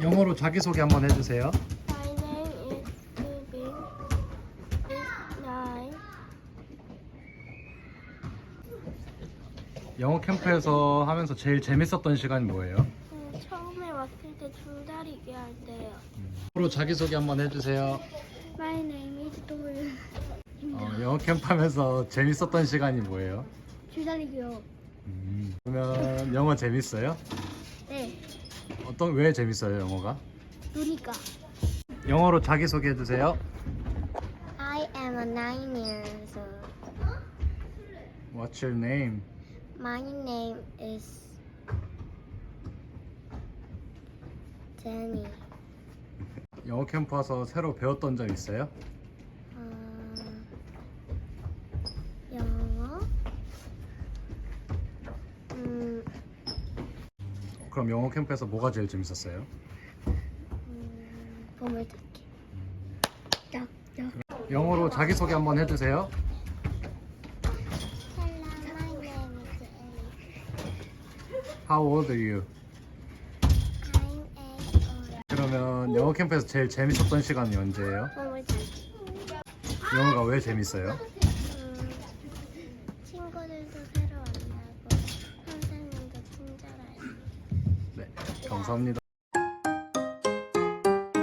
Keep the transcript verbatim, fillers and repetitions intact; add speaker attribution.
Speaker 1: 영어로 자기소개 한번 해주세요.
Speaker 2: My name is Subin. It's nine.
Speaker 1: 영어 캠프에서 하면서 제일 재밌었던 시간이 뭐예요?
Speaker 2: 음, 처음에 왔을 때 줄다리기 할 때요.
Speaker 1: 영어로 자기소개 한번 해주세요.
Speaker 2: My name is 도윤.
Speaker 1: 어, 영어 캠프 하면서 재밌었던 시간이 뭐예요?
Speaker 2: 줄다리기요.
Speaker 1: 음, 그러면 영어 재밌어요?
Speaker 2: 네.
Speaker 1: 어떤 왜 재밌어요 영어가?
Speaker 2: 노니까.
Speaker 1: 영어로 자기소개 해주세요.
Speaker 2: I am a nine years old.
Speaker 1: What's your name?
Speaker 2: My name is Jenny.
Speaker 1: 영어 캠프 와서 새로 배웠던 점 있어요?
Speaker 2: 어, 영어. 음,
Speaker 1: 그럼 영어 캠프에서 뭐가 제일 재밌었어요?
Speaker 2: 음 보물찾기. yak, yak.
Speaker 1: 영어로 자기소개 한번 해주세요.
Speaker 2: Hello, my name is Ellie.
Speaker 1: How old are you?
Speaker 2: I'm eight old.
Speaker 1: 그러면 영어 캠프에서 제일 재밌었던 시간이 언제예요?
Speaker 2: 보물찾기.
Speaker 1: 영어가 왜 재밌어요?
Speaker 2: 음, 친구들도 새로 만나고 선생님도 친절해요.
Speaker 1: 네, 감사합니다.